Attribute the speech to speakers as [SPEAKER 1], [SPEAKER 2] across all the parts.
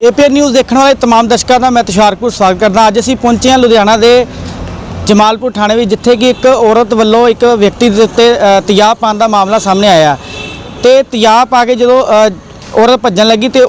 [SPEAKER 1] APN news देखने वाले तमाम दर्शकों का मैं तुषारपुर स्वागत करदा। अज असीं पहुंचे हैं लुधियाना के जमालपुर थाने में, जिथे कि एक औरत वालों एक व्यक्ति के उत्ते तेजाब पाने का मामला सामने आया। तो तेजाब पा के जो औरत भज्जन लगी तो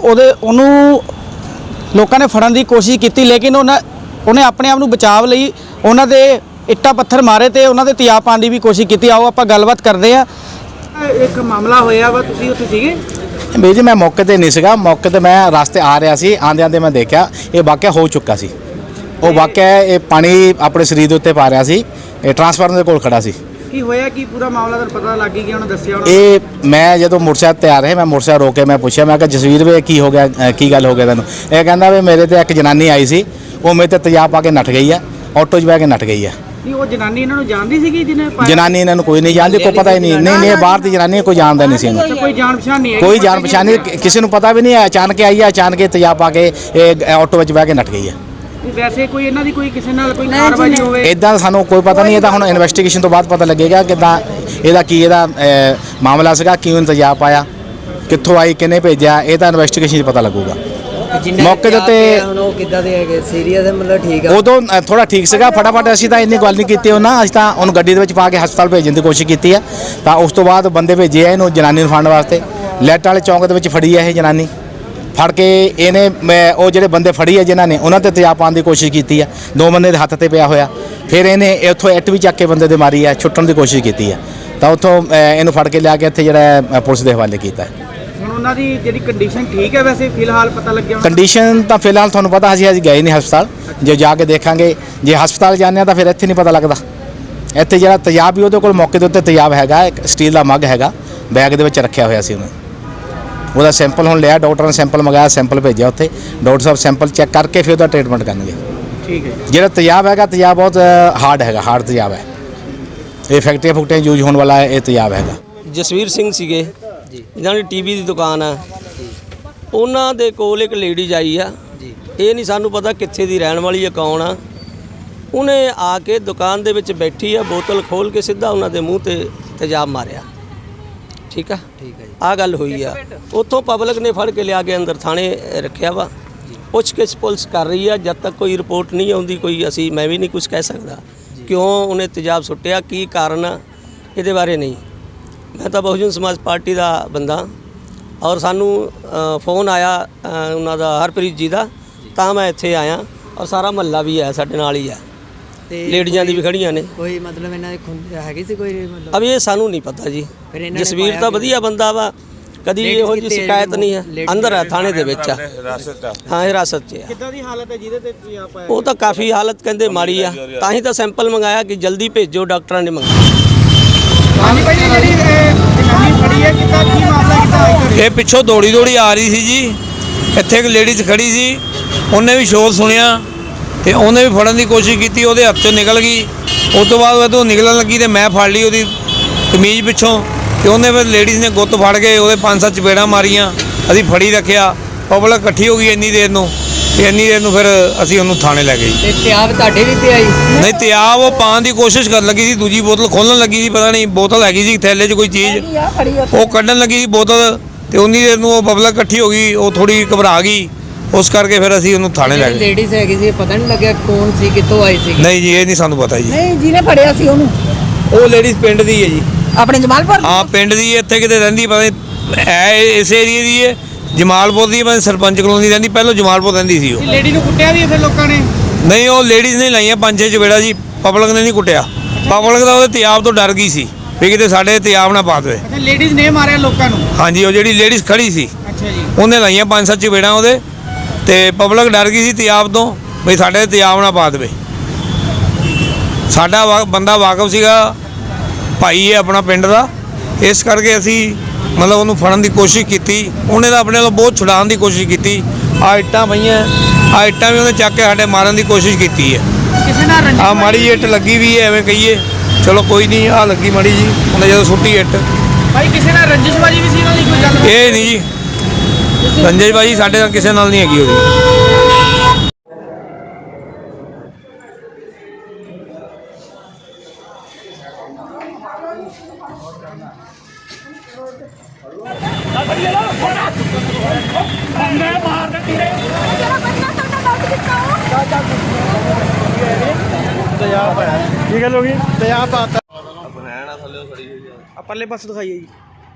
[SPEAKER 1] लोगों ने फड़न की कोशिश की, लेकिन उन्हें अपने आप को बचाव लई उन्होंने इट्टा पत्थर मारे तो उन्होंने तेजाब पाने की भी कोशिश की। आओ आप गलबात करते हैं। एक मामला होया वा, तुसीं उत्थे सीगे?
[SPEAKER 2] भाई जी मैं मौके पर नहीं सीगा, मौके पर मैं रास्ते आ रहा सी, आंदे आंदे मैं देखा ये वाक़या हो चुका सी। वो वाक़या ये पानी अपने शरीर के उत्ते पा रहा सी, ट्रांसफार्मर के कोल खड़ा सी।
[SPEAKER 1] की होया कि पूरा मामला तो पता लग गया, उन्होंने दस्सिया?
[SPEAKER 2] ये मैं जो मोटरसाइकिल ते आ रहे, मैं मोटरसाइकिल रोक के मैं पूछा, मैं जसवीर वे की हो गया, की गल हो गया तेन? ये कहता भी मेरे तो एक जनानी आई सी, वो मेरे ते तेजाब पा के नठ गई है, ऑटो च बह के नठ गई है।
[SPEAKER 1] जनानी इन्होंने जानती सी?
[SPEAKER 2] जनानी इन्होंने कोई नहीं जानती, कोई पता ही नहीं। नहीं बाहर की जनानी कोई जानता नहीं सी,
[SPEAKER 1] कोई जान पहचान नहीं है?
[SPEAKER 2] कोई जान पहचान नहीं, किसी को पता भी नहीं है। अचानक आई है, अचानक तेजाब पा के ऑटो में बह के नठ गई है।
[SPEAKER 1] वैसे कोई इन्हां दी कोई किसी नाल कोई कारवाई होवे?
[SPEAKER 2] इदां सानू कोई पता नहीं, हुण इन्वेस्टिगेशन तो बाद पता लगेगा किदां ਇਹਦਾ ਕੀ ਇਹਦਾ ਮਾਮਲਾ ਸੀਗਾ, ਕਿਉਂ तेजाब पाया, कित्थों आई, किन्ने भेजा, ਇਹ ਤਾਂ ਇਨਵੈਸਟੀਗੇਸ਼ਨ 'ਚ ਪਤਾ ਲੱਗੂਗਾ। मौके ਦੇ ਉੱਤੇ
[SPEAKER 1] ਕਿੱਦਾਂ ਦੇ ਹੈਗੇ? ਸੀਰੀਅਸ ਹੈ ਮਤਲਬ? ਠੀਕ ਹੈ,
[SPEAKER 2] ਉਦੋਂ ਥੋੜਾ ਠੀਕ ਸੀਗਾ। ਫਟਾਫਟ ਅਸੀਂ ਤਾਂ ਇੰਨੀ ਗੱਲ ਨਹੀਂ ਕੀਤੀ ਉਹਨਾਂ, ਅਸੀਂ ਤਾਂ ਉਹਨੂੰ ਗੱਡੀ ਦੇ ਵਿੱਚ ਪਾ ਕੇ ਹਸਪਤਾਲ ਭੇਜਣ ਦੀ ਕੋਸ਼ਿਸ਼ ਕੀਤੀ ਹੈ। ਤਾਂ ਉਸ ਤੋਂ ਬਾਅਦ ਬੰਦੇ ਭੇਜੇ ਆ ਇਹਨੂੰ ਜਨਾਨੀ ਨੂੰ ਫੜਨ ਵਾਸਤੇ। ਲੈਟ ਵਾਲੇ ਚੌਂਕ ਦੇ ਵਿੱਚ ਫੜੀ ਹੈ ਇਹ ਜਨਾਨੀ, ਫੜ ਕੇ ਇਹਨੇ ਉਹ ਜਿਹੜੇ ਬੰਦੇ ਫੜੀ ਹੈ ਜਿਨ੍ਹਾਂ ਨੇ ਉਹਨਾਂ ਤੇ तेजाब ਪਾਉਣ ਦੀ ਕੋਸ਼ਿਸ਼ ਕੀਤੀ ਹੈ। ਦੋ ਬੰਦੇ ਦੇ ਹੱਥ ਤੇ ਪਿਆ ਹੋਇਆ, ਫਿਰ ਇਹਨੇ ਉੱਥੋਂ ਇੱਟ ਵੀ ਚੱਕ ਕੇ ਬੰਦੇ ਦੇ ਮਾਰੀ ਹੈ, ਛੁੱਟਣ ਦੀ ਕੋਸ਼ਿਸ਼ ਕੀਤੀ ਹੈ। ਤਾਂ ਉੱਥੋਂ ਇਹਨੂੰ ਫੜ ਕੇ ਲਿਆ ਕੇ ਇੱਥੇ ਜਿਹੜਾ ਪੁਲਿਸ ਦੇ ਹਵਾਲੇ ਕੀਤਾ ਹੈ।
[SPEAKER 1] ਹੁਣ ਉਹਨਾਂ ਦੀ ਜਿਹੜੀ ਕੰਡੀਸ਼ਨ ਠੀਕ ਹੈ ਵੈਸੇ ਫਿਲਹਾਲ ਪਤਾ ਲੱਗਿਆ?
[SPEAKER 2] ਕੰਡੀਸ਼ਨ ਤਾਂ ਫਿਲਹਾਲ ਤੁਹਾਨੂੰ ਪਤਾ, ਅਸੀਂ ਗਏ ਨਹੀਂ ਹਸਪਤਾਲ, ਜੇ ਜਾ ਕੇ ਦੇਖਾਂਗੇ। ਜੇ ਹਸਪਤਾਲ ਜਾਂਦੇ ਹਾਂ ਤਾਂ ਫਿਰ ਇੱਥੇ ਨਹੀਂ ਪਤਾ ਲੱਗਦਾ। ਇੱਥੇ ਜਿਹੜਾ तेजाब ਵੀ ਉਹਦੇ ਕੋਲ ਮੌਕੇ ਦੇ ਉੱਤੇ तेजाब ਹੈਗਾ, ਇੱਕ ਸਟੀਲ ਦਾ ਮੱਗ ਹੈਗਾ, ਬੈਗ ਦੇ ਵਿੱਚ ਰੱਖਿਆ ਹੋਇਆ ਸੀ ਉਹਨੇ। ਉਹਦਾ ਸੈਂਪਲ ਹੁਣ ਲਿਆ, ਡਾਕਟਰ ਨੇ ਸੈਂਪਲ ਮੰਗਾਇਆ, ਸੈਂਪਲ ਭੇਜਿਆ ਉੱਥੇ। ਡਾਕਟਰ ਸਾਹਿਬ ਸੈਂਪਲ ਚੈੱਕ ਕਰਕੇ ਫਿਰ ਉਹਦਾ ਟ੍ਰੀਟਮੈਂਟ ਕਰਨਗੇ।
[SPEAKER 1] ਠੀਕ ਹੈ।
[SPEAKER 2] ਜਿਹੜਾ तेजाब ਹੈਗਾ, तेजाब ਬਹੁਤ ਹਾਰਡ ਹੈਗਾ, ਹਾਰਡ तेजाब ਹੈ। ਇਹ ਫੈਕਟਰੀਆਂ ਫੁਕਟਰੀਆਂ ਯੂਜ ਹੋਣ ਵਾਲਾ ਇਹ तेजाब ਹੈਗਾ।
[SPEAKER 3] ਜਸਵੀਰ ਸਿੰਘ ਸੀਗੇ ਜਿਨ੍ਹਾਂ ਦੀ ਟੀਵੀ ਦੀ ਦੁਕਾਨ ਆ, ਉਹਨਾਂ ਦੇ ਕੋਲ ਇੱਕ ਲੇਡੀਜ਼ ਆਈ ਆ। ਇਹ ਨਹੀਂ ਸਾਨੂੰ ਪਤਾ ਕਿੱਥੇ ਦੀ ਰਹਿਣ ਵਾਲੀ ਹੈ, ਕੌਣ ਆ। ਉਹਨੇ ਆ ਕੇ ਦੁਕਾਨ ਦੇ ਵਿੱਚ ਬੈਠੀ ਆ, ਬੋਤਲ ਖੋਲ ਕੇ ਸਿੱਧਾ ਉਹਨਾਂ ਦੇ ਮੂੰਹ ਤੇ तेजाब ਮਾਰਿਆ। ਠੀਕ ਆ, ਠੀਕ ਹੈ ਜੀ, ਆਹ ਗੱਲ ਹੋਈ ਆ। ਉੱਥੋਂ ਪਬਲਿਕ ਨੇ ਫੜ ਕੇ ਲਿਆ ਕੇ ਅੰਦਰ ਥਾਣੇ ਰੱਖਿਆ ਵਾ। ਪੁੱਛਗਿੱਛ ਪੁਲਿਸ ਕਰ ਰਹੀ ਆ। ਜਦ ਤੱਕ ਕੋਈ ਰਿਪੋਰਟ ਨਹੀਂ ਆਉਂਦੀ ਕੋਈ ਮੈਂ ਵੀ ਨਹੀਂ ਕੁਝ ਕਹਿ ਸਕਦਾ ਕਿਉਂ ਉਹਨੇ तेजाब ਸੁੱਟਿਆ, ਕੀ ਕਾਰਨ ਆ, ਇਹਦੇ ਬਾਰੇ ਨਹੀਂ। मैं तो बहुजन समाज पार्टी का बंदा, और सानू फोन आया उन्होंने हरप्रीत जी का, तो मैं इत्थे आया। और सारा महल्ला भी है साडे नाल ही है, लेडियां दी भी खड़ियां ने।
[SPEAKER 4] कोई मतलब इन्हां दी हैगी सी कोई मतलब?
[SPEAKER 3] अब ये सानू नहीं पता जी। जसवीर तो वधिया बंदा वा, कदी इहो जी शिकायत नहीं है। अंदर है थाने दे विच, हाँ हिरासत च है।
[SPEAKER 1] किद्दां दी हालत है जिहदे ते तेजाब पाया?
[SPEAKER 3] वो तो काफ़ी हालत कहंदे माड़ी आ, तां ही तो सैंपल मंगाया कि जल्दी भेजो, डॉक्टरां ने मंगाया।
[SPEAKER 5] ਇਹ ਪਿੱਛੋਂ ਦੌੜੀ ਆ ਰਹੀ ਸੀ ਜੀ। ਇੱਥੇ ਇੱਕ ਲੇਡੀਜ਼ ਖੜੀ ਸੀ, ਉਹਨੇ ਵੀ ਸ਼ੋਰ ਸੁਣਿਆ ਤੇ ਉਹਨੇ ਵੀ ਫੜਨ ਦੀ ਕੋਸ਼ਿਸ਼ ਕੀਤੀ, ਉਹਦੇ ਹੱਥ 'ਚੋਂ ਨਿਕਲ ਗਈ। ਉਸ ਤੋਂ ਬਾਅਦ ਜਦੋਂ ਨਿਕਲਣ ਲੱਗੀ ਤੇ ਮੈਂ ਫੜ ਲਈ ਉਹਦੀ ਕਮੀਜ਼ ਪਿੱਛੋਂ, ਤੇ ਉਹਨੇ ਫਿਰ ਲੇਡੀਜ਼ ਨੇ ਗੁੱਤ ਫੜ ਕੇ ਉਹਦੇ 5-7 ਚਪੇੜਾਂ ਮਾਰੀਆਂ। ਅਸੀਂ ਫੜੀ ਰੱਖਿਆ, ਪਬਲਿਕ ਇਕੱਠੀ ਹੋ ਗਈ ਇੰਨੀ ਦੇਰ ਨੂੰ, ਤੇ ਇੰਨੀ ਦੇਰ ਨੂੰ ਫਿਰ ਅਸੀਂ ਉਹਨੂੰ ਥਾਣੇ ਲੈ ਗਏ।
[SPEAKER 4] ਤੇ तेजाब ਤੁਹਾਡੇ ਵੀ ਪਿਆ ਜੀ?
[SPEAKER 5] ਨਹੀਂ, तेजाब ਉਹ ਪਾਉਣ ਦੀ ਕੋਸ਼ਿਸ਼ ਕਰਨ ਲੱਗੀ ਸੀ, ਦੂਜੀ ਬੋਤਲ ਖੋਲ੍ਹਣ ਲੱਗੀ ਸੀ, ਪਤਾ ਨਹੀਂ ਬੋਤਲ ਹੈਗੀ ਸੀ ਥੈਲੇ 'ਚ ਕੋਈ ਚੀਜ਼, ਉਹ ਕੱਢਣ ਲੱਗੀ ਸੀ ਬੋਤਲ। ਤੇ ਉਨੀ ਦੇਰ ਨੂੰ ਉਹ ਪਬਲਿਕ ਇਕੱਠੀ ਹੋ ਗਈ, ਉਹ ਥੋੜੀ ਘਬਰਾ ਗਈ, ਉਸ ਕਰਕੇ ਫਿਰ ਅਸੀਂ ਉਹਨੂੰ ਥਾਣੇ ਲੈ ਗਏ।
[SPEAKER 4] ਲੇਡੀਜ਼ ਹੈਗੀ ਸੀ, ਪਤਾ ਨਹੀਂ ਲੱਗਿਆ ਕੌਣ ਸੀ, ਕਿੱਥੋਂ ਆਈ ਸੀ?
[SPEAKER 5] ਨਹੀਂ ਜੀ, ਇਹ ਨਹੀਂ ਸਾਨੂੰ ਪਤਾ ਜੀ।
[SPEAKER 6] ਨਹੀਂ, ਜਿਹਨੇ ਫੜਿਆ ਸੀ ਉਹਨੂੰ?
[SPEAKER 5] ਉਹ ਲੇਡੀਜ਼ ਪਿੰਡ ਦੀ ਹੈ ਜੀ,
[SPEAKER 6] ਆਪਣੇ ਜਮਾਲਪੁਰ?
[SPEAKER 5] ਹਾਂ ਪਿੰਡ ਦੀ, ਇੱਥੇ ਕਿਤੇ ਰਹਿੰਦੀ ਪਤਾ ਨਹੀਂ, ਇਸ ਏਰੀਏ ਦੀ ਹੈ, ਜਮਾਲਪੁਰ ਦੀ, ਮੈਂ ਸਰਪੰਚ ਕਲੋਨੀ ਰਹਿੰਦੀ, ਪਹਿਲਾਂ ਜਮਾਲਪੁਰ ਰਹਿੰਦੀ ਸੀ ਉਹ।
[SPEAKER 1] ਲੇਡੀ ਨੂੰ ਕੁੱਟਿਆ ਵੀ ਫਿਰ ਲੋਕਾਂ ਨੇ?
[SPEAKER 5] ਨਹੀਂ, ਉਹ ਲੇਡੀਜ਼ ਨੇ ਲਾਈਆਂ 5-6 ਚਪੇੜਾ ਜੀ, ਪਬਲਿਕ ਨੇ ਨਹੀਂ ਕੁੱਟਿਆ। ਪਬਲਿਕ ਦਾ ਉਹਦੇ तेजाब ਤੋਂ ਡਰ ਗਈ ਸੀ ਵੀ ਕਿਤੇ ਸਾਡੇ तेजाब ਨਾ ਪਾ ਦੇਵੇ।
[SPEAKER 1] ਅੱਛਾ, ਲੇਡੀਜ਼ ਨੇ ਮਾਰਿਆ ਲੋਕਾਂ ਨੂੰ?
[SPEAKER 5] ਹਾਂਜੀ, ਉਹ ਜਿਹੜੀ ਲੇਡੀਜ਼ ਖੜੀ ਸੀ,
[SPEAKER 1] ਅੱਛਾ ਜੀ, ਉਹਨੇ
[SPEAKER 5] ਉਹਨੇ ਲਾਈਆਂ 5-7 ਚਪੇੜਾਂ ਉਹਦੇ, ਤੇ ਪਬਲਿਕ ਡਰ ਗਈ ਸੀ तेजाब ਤੋਂ ਵੀ ਸਾਡੇ तेजाब ਨਾ ਪਾ ਦੇਵੇ। ਸਾਡਾ ਬੰਦਾ ਵਾਕਫ ਸੀਗਾ, ਭਾਈ ਹੈ ਆਪਣਾ ਪਿੰਡ ਦਾ, ਇਸ ਕਰਕੇ ਅਸੀਂ मतलब ਉਹਨੂੰ ਫੜਨ ਦੀ ਕੋਸ਼ਿਸ਼ ਕੀਤੀ। ਉਹਨੇ ਤਾਂ ਆਪਣੇ ਵੱਲੋਂ ਬਹੁਤ ਛੁਡਾਉਣ ਦੀ ਕੋਸ਼ਿਸ਼ ਕੀਤੀ। ਆ ਇੱਟਾਂ ਪਈਆਂ, ਆ ਇੱਟਾਂ ਵੀ ਉਹਨੇ ਚੱਕ ਕੇ ਸਾਡੇ ਮਾਰਨ ਦੀ ਕੋਸ਼ਿਸ਼ ਕੀਤੀ ਹੈ।
[SPEAKER 1] ਕਿਸੇ ਨਾਲ ਰੰਜਿਸ਼?
[SPEAKER 5] ਆ ਮਾੜੀ ਇੱਟ ਲੱਗੀ ਵੀ ਹੈ, ਐਵੇਂ ਕਹੀਏ, ਚਲੋ ਕੋਈ ਨਹੀਂ, ਆ ਲੱਗੀ ਮਾੜੀ ਜੀ, ਉਹਨੇ ਜਦੋਂ ਸੁੱਟੀ ਇੱਟ।
[SPEAKER 1] ਭਾਈ ਕਿਸੇ ਨਾਲ ਰੰਜਿਸ਼ਬਾਜੀ ਵੀ ਸੀ ਇਹਨਾਂ ਦੀ ਕੋਈ ਗੱਲ?
[SPEAKER 5] ਇਹ ਨਹੀਂ ਜੀ, ਰੰਜਿਸ਼ ਬਾਜੀ ਸਾਡੇ ਨਾਲ ਕਿਸੇ ਨਾਲ ਨਹੀਂ ਹੈਗੀ ਉਹਦੀ।
[SPEAKER 7] मार ਕੀ ਗੱਲ ਹੋ ਗਈ?
[SPEAKER 1] ਤੇਜ਼ਾਬ ਪਾਤਾ ਪਰਲੇ ਪਾਸੇ ਦਿਖਾਈਏ ਜੀ।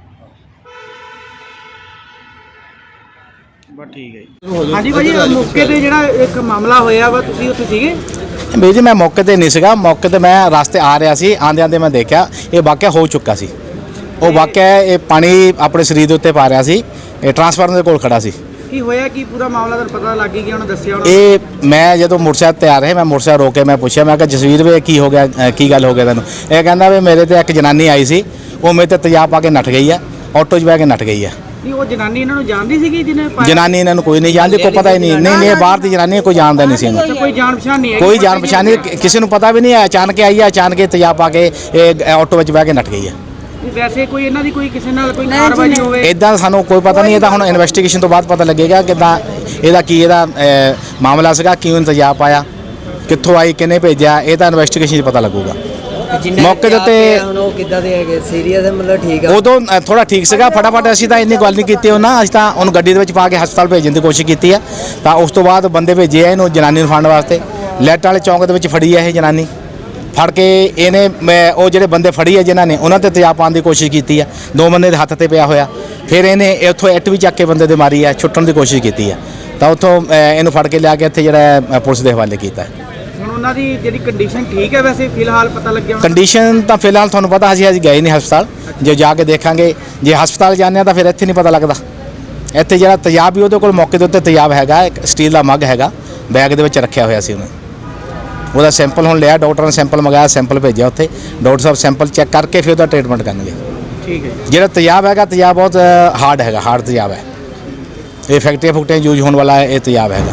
[SPEAKER 1] ਬਸ ਠੀਕ ਹੈ ਜੀ। ਹਾਂਜੀ ਭਾਜੀ, ਮੌਕੇ ਤੇ ਜਿਹੜਾ ਇੱਕ ਮਾਮਲਾ ਹੋਇਆ ਵਾ, ਤੁਸੀਂ ਉੱਥੇ ਸੀਗੇ?
[SPEAKER 2] ਬਈ ਜੀ ਮੈਂ ਮੌਕੇ ਤੇ ਨਹੀਂ ਸੀਗਾ। ਮੌਕੇ ਤੇ ਮੈਂ ਰਸਤੇ ਆ ਰਿਹਾ ਸੀ, ਆਂਦੇ ਆਂਦੇ ਮੈਂ ਦੇਖਿਆ ਇਹ ਵਾਕਿਆ ਹੋ ਚੁੱਕਾ ਸੀ। ਉਹ ਵਾਕਿਆ ਇਹ ਪਾਣੀ ਆਪਣੇ ਸਰੀਰ ਦੇ ਉੱਤੇ ਪਾ ਰਿਹਾ ਸੀ, ਇਹ ਟਰਾਂਸਫਾਰਮਰ ਦੇ ਕੋਲ ਖੜਾ ਸੀ।
[SPEAKER 1] ਕੀ ਹੋਇਆ, ਕੀ ਪੂਰਾ ਮਾਮਲਾ ਤੁਹਾਨੂੰ ਪਤਾ ਲੱਗ ਗਿਆ? ਉਹਨੇ ਦੱਸਿਆ ਉਹਨਾਂ
[SPEAKER 2] ਇਹ ਮੈਂ ਜਦੋਂ ਮੋਟਰਸਾਈਕਲ ਤੇ ਆ ਰਿਹਾ, ਮੈਂ ਮੋਟਰਸਾਈਕਲ ਰੋਕ ਕੇ ਮੈਂ ਪੁੱਛਿਆ, ਮੈਂ ਕਿਹਾ ਜਸਵੀਰ ਵੇ ਕੀ ਹੋ ਗਿਆ, ਕੀ ਗੱਲ ਹੋ ਗਿਆ ਤੈਨੂੰ? ਇਹ ਕਹਿੰਦਾ ਵੀ ਮੇਰੇ ਤੇ ਇੱਕ ਜਨਾਨੀ ਆਈ ਸੀ, ਉਹ ਮੇਰੇ ਤੇ ਤੇਜ਼ਾਬ ਪਾ ਕੇ ਨੱਠ ਗਈ ਆ, ਆਟੋ 'ਚ ਬਹਿ ਕੇ ਨੱਠ ਗਈ ਆ।
[SPEAKER 1] ਨਹੀਂ, ਉਹ ਜਨਾਨੀ ਇਹਨਾਂ ਨੂੰ ਜਾਣਦੀ ਸੀਗੀ ਜਿਹਨੇ ਪਾਇਆ?
[SPEAKER 2] ਜਨਾਨੀ ਇਹਨਾਂ ਨੂੰ ਕੋਈ ਨਹੀਂ ਜਾਣਦੀ, ਕੋਈ ਪਤਾ ਹੀ ਨਹੀਂ। ਨਹੀਂ ਇਹ ਬਾਹਰ ਦੀ ਜਨਾਨੀ ਹੈ, ਕੋਈ ਜਾਣਦਾ ਨਹੀਂ ਸੀ ਇਹਨੂੰ।
[SPEAKER 1] ਕੋਈ ਜਾਣ ਪਛਾਣ ਨਹੀਂ ਹੈ?
[SPEAKER 2] ਕੋਈ ਜਾਣ ਪਛਾਣ ਨਹੀਂ, ਕਿਸੇ ਨੂੰ ਪਤਾ ਵੀ ਨਹੀਂ ਹੈ। ਅਚਾਨਕ ਆਈ ਹੈ, ਅਚਾਨਕ ਤੇਜ਼ਾਬ ਪਾ ਕੇ ਇਹ ਆਟੋ ਵਿੱਚ ਬਹਿ ਕੇ ਨੱਠ ਗਈ ਹੈ।
[SPEAKER 1] ਵੈਸੇ ਕੋਈ ਇਹਨਾਂ ਦੀ ਕੋਈ ਕਿਸੇ ਨਾਲ ਕੋਈ ਕਾਰਵਾਈ ਹੋਵੇ?
[SPEAKER 2] ਇਦਾਂ ਸਾਨੂੰ ਕੋਈ ਪਤਾ ਨਹੀਂ। ਇਹ ਤਾਂ ਹੁਣ ਇਨਵੈਸਟੀਗੇਸ਼ਨ ਤੋਂ ਬਾਅਦ ਪਤਾ ਲੱਗੇਗਾ ਕਿੱਦਾਂ ਇਹਦਾ ਮਾਮਲਾ ਸੀਗਾ, ਕਿਉਂ ਤੇਜ਼ਾਬ ਪਾਇਆ, ਕਿੱਥੋਂ ਆਈ, ਕਿਹਨੇ ਭੇਜਿਆ, ਇਹ ਤਾਂ ਇਨਵੈਸਟੀਗੇਸ਼ਨ 'ਚ ਪਤਾ ਲੱਗੂਗਾ। ਮੌਕੇ ਦੇ ਉੱਤੇ
[SPEAKER 4] ਹੁਣ ਉਹ ਕਿੱਦਾਂ ਦੇ ਹੈਗੇ? ਸੀਰੀਅਸ ਹੈ ਮਤਲਬ? ਠੀਕ ਆ।
[SPEAKER 2] ਉਦੋਂ ਥੋੜਾ ਠੀਕ ਸੀਗਾ, ਫਟਾਫਟ ਅਸੀਂ ਤਾਂ ਇੰਨੀ ਗੱਲ ਨਹੀਂ ਕੀਤੀ ਉਹਨਾਂ। ਅਸੀਂ ਤਾਂ ਉਹਨੂੰ ਗੱਡੀ ਦੇ ਵਿੱਚ ਪਾ ਕੇ ਹਸਪਤਾਲ ਭੇਜਣ ਦੀ ਕੋਸ਼ਿਸ਼ ਕੀਤੀ ਆ। ਤਾਂ ਉਸ ਤੋਂ ਬਾਅਦ ਬੰਦੇ ਭੇਜੇ ਆ ਇਹਨੂੰ ਜਨਾਨੀ ਨੂੰ ਫੜਨ ਵਾਸਤੇ। ਲੈਟ ਵਾਲੇ ਚੌਂਕ ਦੇ ਵਿੱਚ ਫੜੀ ਆ ਇਹ ਜਨਾਨੀ। ਫੜ ਕੇ ਇਹਨੇ ਉਹ ਜਿਹੜੇ ਬੰਦੇ ਫੜੀ ਆ ਜਿਨ੍ਹਾਂ ਨੇ, ਉਹਨਾਂ ਤੇ ਤੇਜ਼ਾਬ ਪਾਉਣ ਦੀ ਕੋਸ਼ਿਸ਼ ਕੀਤੀ ਆ। 2 ਬੰਦੇ ਦੇ ਹੱਥ ਤੇ ਪਿਆ ਹੋਇਆ। ਫਿਰ ਇਹਨੇ ਉੱਥੋਂ ਇੱਟ ਵੀ ਚੱਕ ਕੇ ਬੰਦੇ ਦੇ ਮਾਰੀ ਆ, ਛੁੱਟਣ ਦੀ ਕੋਸ਼ਿਸ਼ ਕੀਤੀ ਆ। ਤਾਂ ਉੱਥੋਂ ਇਹਨੂੰ ਫੜ ਕੇ ਲਿਆ ਕੇ ਇੱਥੇ ਜਿਹੜਾ ਪੁਲਿਸ ਦੇ ਹਵਾਲੇ ਕੀਤਾ।
[SPEAKER 1] ਹੁਣ ਉਹਨਾਂ ਦੀ ਜਿਹੜੀ ਕੰਡੀਸ਼ਨ ਠੀਕ ਹੈ ਵੈਸੇ ਫਿਲਹਾਲ ਪਤਾ ਲੱਗਿਆ?
[SPEAKER 2] ਕੰਡੀਸ਼ਨ ਤਾਂ ਫਿਲਹਾਲ ਤੁਹਾਨੂੰ ਪਤਾ, ਅਸੀਂ ਗਏ ਨਹੀਂ ਹਸਪਤਾਲ। ਜੇ ਜਾ ਕੇ ਦੇਖਾਂਗੇ, ਜੇ ਹਸਪਤਾਲ ਜਾਂਦੇ ਆ ਤਾਂ ਫਿਰ ਇੱਥੇ ਨਹੀਂ ਪਤਾ ਲੱਗਦਾ। ਇੱਥੇ ਜਿਹੜਾ ਤੇਜ਼ਾਬ ਵੀ ਉਹਦੇ ਕੋਲ ਮੌਕੇ ਦੇ ਉੱਤੇ ਤੇਜ਼ਾਬ ਹੈਗਾ, ਇੱਕ ਸਟੀਲ ਦਾ ਮੱਗ ਹੈਗਾ, ਬੈਗ ਦੇ ਵਿੱਚ ਰੱਖਿਆ ਹੋਇਆ ਸੀ ਉਹਨੇ। ਉਹਦਾ ਸੈਂਪਲ ਹੁਣ ਲਿਆ, ਡਾਕਟਰ ਨੇ ਸੈਂਪਲ ਮੰਗਾਇਆ, ਸੈਂਪਲ ਭੇਜਿਆ ਉੱਥੇ। ਡਾਕਟਰ ਸਾਹਿਬ ਸੈਂਪਲ ਚੈੱਕ ਕਰਕੇ ਫਿਰ ਉਹਦਾ ਟ੍ਰੀਟਮੈਂਟ ਕਰਨਗੇ।
[SPEAKER 1] ਠੀਕ ਹੈ। ਜਿਹੜਾ
[SPEAKER 2] ਤੇਜ਼ਾਬ ਹੈਗਾ, ਤੇਜ਼ਾਬ ਬਹੁਤ ਹਾਰਡ ਹੈਗਾ, ਹਾਰਡ ਤੇਜ਼ਾਬ ਹੈ। ਇਹ ਫੈਕਟਰੀਆਂ ਯੂਜ਼ ਹੋਣ ਵਾਲਾ ਇਹ ਤੇਜ਼ਾਬ ਹੈਗਾ।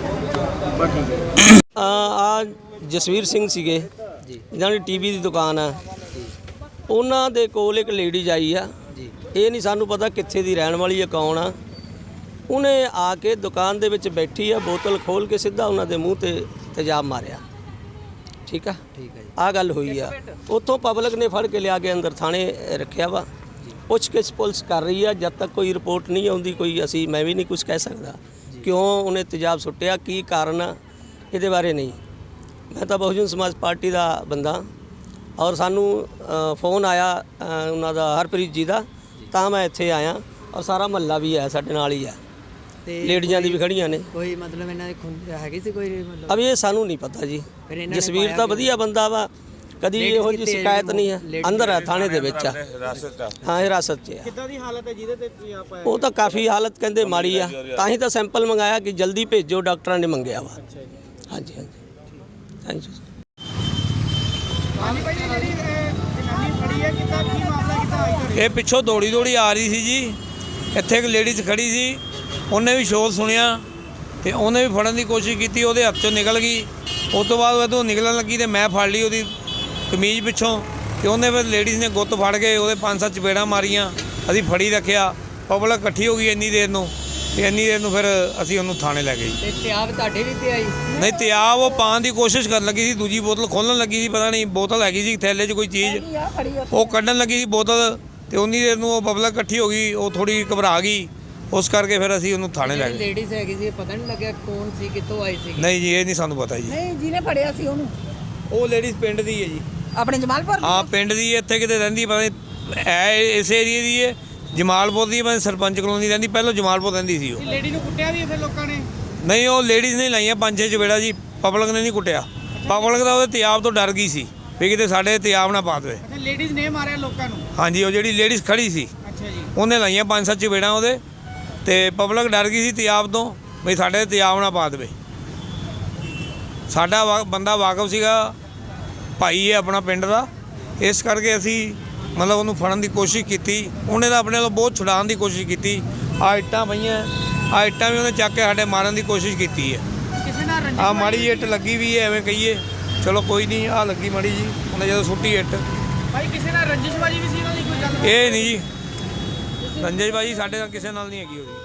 [SPEAKER 3] ਆ ਜਸਵੀਰ ਸਿੰਘ ਸੀਗੇ ਜਿਨ੍ਹਾਂ ਦੀ ਟੀਵੀ ਦੀ ਦੁਕਾਨ ਆ, ਉਹਨਾਂ ਦੇ ਕੋਲ ਇੱਕ ਲੇਡੀਜ਼ ਆਈ ਆ। ਇਹ ਨਹੀਂ ਸਾਨੂੰ ਪਤਾ ਕਿੱਥੇ ਦੀ ਰਹਿਣ ਵਾਲੀ ਹੈ, ਕੌਣ ਆ। ਉਹਨੇ ਆ ਕੇ ਦੁਕਾਨ ਦੇ ਵਿੱਚ ਬੈਠੀ ਆ, ਬੋਤਲ ਖੋਲ ਕੇ ਸਿੱਧਾ ਉਹਨਾਂ ਦੇ ਮੂੰਹ ਤੇ ਤੇਜ਼ਾਬ ਮਾਰਿਆ। ਠੀਕ ਆ, ਠੀਕ ਹੈ ਜੀ। ਆ ਗੱਲ ਹੋਈ ਆ। ਉੱਥੋਂ ਪਬਲਿਕ ਨੇ ਫੜ ਕੇ ਲਿਆ ਕੇ ਅੰਦਰ ਥਾਣੇ ਰੱਖਿਆ ਵਾ। ਪੁੱਛਗਿੱਛ ਪੁਲਿਸ ਕਰ ਰਹੀ ਆ। ਜਦ ਤੱਕ ਕੋਈ ਰਿਪੋਰਟ ਨਹੀਂ ਆਉਂਦੀ ਕੋਈ ਮੈਂ ਵੀ ਨਹੀਂ ਕੁਝ ਕਹਿ ਸਕਦਾ ਕਿਉਂ ਉਹਨੇ ਤੇਜ਼ਾਬ ਸੁੱਟਿਆ, ਕੀ ਕਾਰਨ ਆ, ਇਹਦੇ ਬਾਰੇ ਨਹੀਂ। ਮੈਂ ਤਾਂ ਬਹੁਜਨ ਸਮਾਜ ਪਾਰਟੀ ਦਾ ਬੰਦਾ, ਔਰ ਸਾਨੂੰ ਫੋਨ ਆਇਆ ਉਹਨਾਂ ਦਾ ਹਰਪ੍ਰੀਤ ਜੀ ਦਾ, ਤਾਂ ਮੈਂ ਇੱਥੇ ਆਇਆ। ਔਰ ਸਾਰਾ ਮਹੱਲਾ ਵੀ ਹੈ ਸਾਡੇ ਨਾਲ ਹੀ ਹੈ, ਲੇਡੀਜ਼ਾਂ ਦੀ ਵੀ ਖੜੀਆਂ ਨੇ।
[SPEAKER 4] ਕੋਈ ਮਤਲਬ ਇਹਨਾਂ ਦੇ ਹੈਗੀ ਸੀ ਕੋਈ ਮਤਲਬ?
[SPEAKER 3] ਅਬ ਇਹ ਸਾਨੂੰ ਨਹੀਂ ਪਤਾ ਜੀ। ਜਸਵੀਰ ਤਾਂ ਵਧੀਆ ਬੰਦਾ ਵਾ, ਕਦੀ ਇਹੋ ਜਿਹੀ ਸ਼ਿਕਾਇਤ ਨਹੀਂ ਹੈ। ਅੰਦਰ ਹੈ, ਥਾਣੇ ਦੇ ਵਿੱਚ ਆ। ਹਾਂ, ਹਿਰਾਸਤ 'ਚ ਆ।
[SPEAKER 1] ਕਿੱਦਾਂ ਦੀ ਹਾਲਤ ਹੈ ਜਿਹਦੇ ਤੇ ਤੇਜ਼ਾਬ ਪਾਇਆ?
[SPEAKER 3] ਉਹ ਤਾਂ ਕਾਫੀ ਹਾਲਤ ਕਹਿੰਦੇ ਮਾੜੀ ਆ, ਤਾਂ ਹੀ ਤਾਂ ਸੈਂਪਲ ਮੰਗਾਇਆ ਕਿ ਜਲਦੀ ਭੇਜੋ, ਡਾਕਟਰਾਂ ਨੇ ਮੰਗਿਆ ਵਾ। ਹਾਂਜੀ ਹਾਂਜੀ, ਥੈਂਕ ਯੂ।
[SPEAKER 1] ਹਾਂਜੀ ਭਾਈ, ਜਿਹੜੀ ਜਨਾਨੀ ਫੜੀ ਹੈ, ਕਿੱਦਾਂ ਕੀ ਮਾਮਲਾ, ਕਿੱਦਾਂ ਆਈ?
[SPEAKER 5] ਇਹ ਪਿੱਛੋਂ ਦੌੜੀ ਆ ਰਹੀ ਸੀ ਜੀ। ਇੱਥੇ ਇੱਕ ਲੇਡੀਜ਼ ਖੜੀ ਸੀ, ਉਹਨੇ ਵੀ ਸ਼ੋਰ ਸੁਣਿਆ ਤੇ ਉਹਨੇ ਵੀ ਫੜਨ ਦੀ ਕੋਸ਼ਿਸ਼ ਕੀਤੀ, ਉਹਦੇ ਹੱਥ 'ਚੋਂ ਨਿਕਲ ਗਈ। ਉਸ ਤੋਂ ਬਾਅਦ ਜਦੋਂ ਨਿਕਲਣ ਲੱਗੀ ਤੇ ਮੈਂ ਫੜ ਲਈ ਉਹਦੀ ਕਮੀਜ਼ ਪਿੱਛੋਂ, ਤੇ ਉਹਨੇ ਫਿਰ ਲੇਡੀਜ਼ ਨੇ ਗੁੱਤ ਫੜ ਕੇ ਉਹਦੇ 5-7 ਚਪੇੜਾਂ ਮਾਰੀਆਂ। ਅਸੀਂ ਫੜੀ ਰੱਖਿਆ, ਪਬਲਿਕ ਇਕੱਠੀ ਹੋ ਗਈ ਇੰਨੀ ਦੇਰ ਨੂੰ, ਤੇ ਇੰਨੀ ਦੇਰ ਨੂੰ ਫਿਰ ਅਸੀਂ ਉਹਨੂੰ ਥਾਣੇ ਲੈ ਗਏ।
[SPEAKER 4] ਤੇ ਤੇਜ਼ਾਬ ਤੁਹਾਡੇ ਵੀ ਤੇ ਆਈ?
[SPEAKER 5] ਨਹੀਂ, ਤੇਜ਼ਾਬ ਉਹ ਪਾਉਣ ਦੀ ਕੋਸ਼ਿਸ਼ ਕਰਨ ਲੱਗੀ ਸੀ, ਦੂਜੀ ਬੋਤਲ ਖੋਲ੍ਹਣ ਲੱਗੀ ਸੀ। ਪਤਾ ਨਹੀਂ ਬੋਤਲ ਹੈਗੀ ਸੀ ਥੈਲੇ 'ਚ ਕੋਈ ਚੀਜ਼, ਉਹ ਕੱਢਣ ਲੱਗੀ ਸੀ ਬੋਤਲ, ਤੇ ਉਨੀ ਦੇਰ ਨੂੰ ਉਹ ਪਬਲਿਕ ਇਕੱਠੀ ਹੋ ਗਈ, ਉਹ ਥੋੜੀ ਘਬਰਾ ਗਈ। ਉਸ ਕਰਕੇ ਫਿਰ ਅਸੀਂ ਉਹਨੂੰ ਥਾਣੇ ਲੈ ਗਏ।
[SPEAKER 4] ਲੇਡੀਜ਼ ਹੈਗੀ ਸੀ, ਪਤਾ ਨਹੀਂ ਲੱਗਿਆ ਕੌਣ ਸੀ, ਕਿੱਥੋਂ ਆਈ ਸੀ?
[SPEAKER 5] ਨਹੀਂ ਜੀ, ਇਹ ਨਹੀਂ ਸਾਨੂੰ ਪਤਾ ਜੀ।
[SPEAKER 6] ਨਹੀਂ, ਜਿਹਨੇ ਫੜਿਆ ਸੀ ਉਹਨੂੰ?
[SPEAKER 5] ਉਹ ਲੇਡੀਜ਼ ਪਿੰਡ ਦੀ ਹੈ ਜੀ,
[SPEAKER 6] ਆਪਣੇ ਜਮਾਲਪੁਰ?
[SPEAKER 5] ਹਾਂ ਪਿੰਡ ਦੀ ਹੈ, ਇੱਥੇ ਕਿਤੇ ਰਹਿੰਦੀ ਪਤਾ ਨਹੀਂ, ਹੈ ਇਸ ਏਰੀਏ ਦੀ ਹੈ, ਜਮਾਲਪੁਰ ਦੀ। ਮੈਂ ਸਰਪੰਚ ਕਲੋਨੀ ਰਹਿੰਦੀ, ਪਹਿਲਾਂ ਜਮਾਲਪੁਰ ਰਹਿੰਦੀ ਸੀ ਉਹ।
[SPEAKER 1] ਲੇਡੀ ਨੂੰ ਕੁੱਟਿਆ ਵੀ ਫਿਰ ਲੋਕਾਂ ਨੇ?
[SPEAKER 5] ਨਹੀਂ, ਉਹ ਲੇਡੀਜ਼ ਨੇ ਲਾਈਆਂ 5-6 ਚਪੇੜਾ ਜੀ, ਪਬਲਿਕ ਨੇ ਨਹੀਂ ਕੁੱਟਿਆ। ਪਬਲਿਕ ਦਾ ਉਹਦੇ ਤੇਜ਼ਾਬ ਤੋਂ ਡਰ ਗਈ ਸੀ ਵੀ ਕਿਤੇ ਸਾਡੇ ਤੇਜ਼ਾਬ ਨਾ ਪਾ ਦੇਵੇ।
[SPEAKER 1] ਅੱਛਾ, ਲੇਡੀਜ਼ ਨੇ ਮਾਰਿਆ ਲੋਕਾਂ ਨੂੰ?
[SPEAKER 5] ਹਾਂਜੀ, ਉਹ ਜਿਹੜੀ ਲੇਡੀਜ਼ ਖੜੀ ਸੀ,
[SPEAKER 1] ਅੱਛਾ ਜੀ,
[SPEAKER 5] ਉਹਨੇ ਲਾਈਆਂ 5-7 ਚਪੇੜਾਂ ਉਹਦੇ, ਤੇ ਪਬਲਿਕ ਡਰ ਗਈ ਸੀ ਤੇਜ਼ਾਬ ਤੋਂ ਵੀ ਸਾਡੇ ਤੇਜ਼ਾਬ ਨਾ ਪਾ ਦੇਵੇ। ਸਾਡਾ ਬੰਦਾ ਵਾਕਫ ਸੀਗਾ, ਭਾਈ ਹੈ ਆਪਣਾ ਪਿੰਡ ਦਾ, ਇਸ ਕਰਕੇ ਅਸੀਂ ਮਤਲਬ ਉਹਨੂੰ ਫੜਨ ਦੀ ਕੋਸ਼ਿਸ਼ ਕੀਤੀ। ਉਹਨੇ ਤਾਂ ਆਪਣੇ ਵੱਲੋਂ ਬਹੁਤ ਛੁਡਾਉਣ ਦੀ ਕੋਸ਼ਿਸ਼ ਕੀਤੀ। ਆ ਇੱਟਾਂ ਪਈਆਂ, ਆ ਇੱਟਾਂ ਵੀ ਉਹਨੇ ਚੱਕ ਕੇ ਸਾਡੇ ਮਾਰਨ ਦੀ ਕੋਸ਼ਿਸ਼ ਕੀਤੀ ਹੈ।
[SPEAKER 1] ਕਿਸੇ ਨਾਲ ਰੰਜਿਸ਼?
[SPEAKER 5] ਆ ਮਾੜੀ ਜਿਹੀ ਇੱਟ ਲੱਗੀ ਵੀ ਹੈ, ਐਵੇਂ ਕਹੀਏ, ਚਲੋ ਕੋਈ ਨਹੀਂ, ਆ ਲੱਗੀ ਮਾੜੀ ਜੀ, ਉਹਨੇ ਜਦੋਂ ਸੁੱਟੀ ਇੱਟ।
[SPEAKER 1] ਭਾਈ ਕਿਸੇ ਨਾਲ ਰੰਜਿਸ਼ਬਾਜੀ ਵੀ ਸੀ ਇਹਨਾਂ ਦੀ ਕੋਈ ਗੱਲ?
[SPEAKER 5] ਇਹ ਨਹੀਂ ਜੀ, ਰੰਜਨ ਭਾਈ ਸਾਡੇ ਨਾਲ ਕਿਸੇ ਨਾਲ ਨਹੀਂ ਹੈਗੀ ਉਹਦੀ।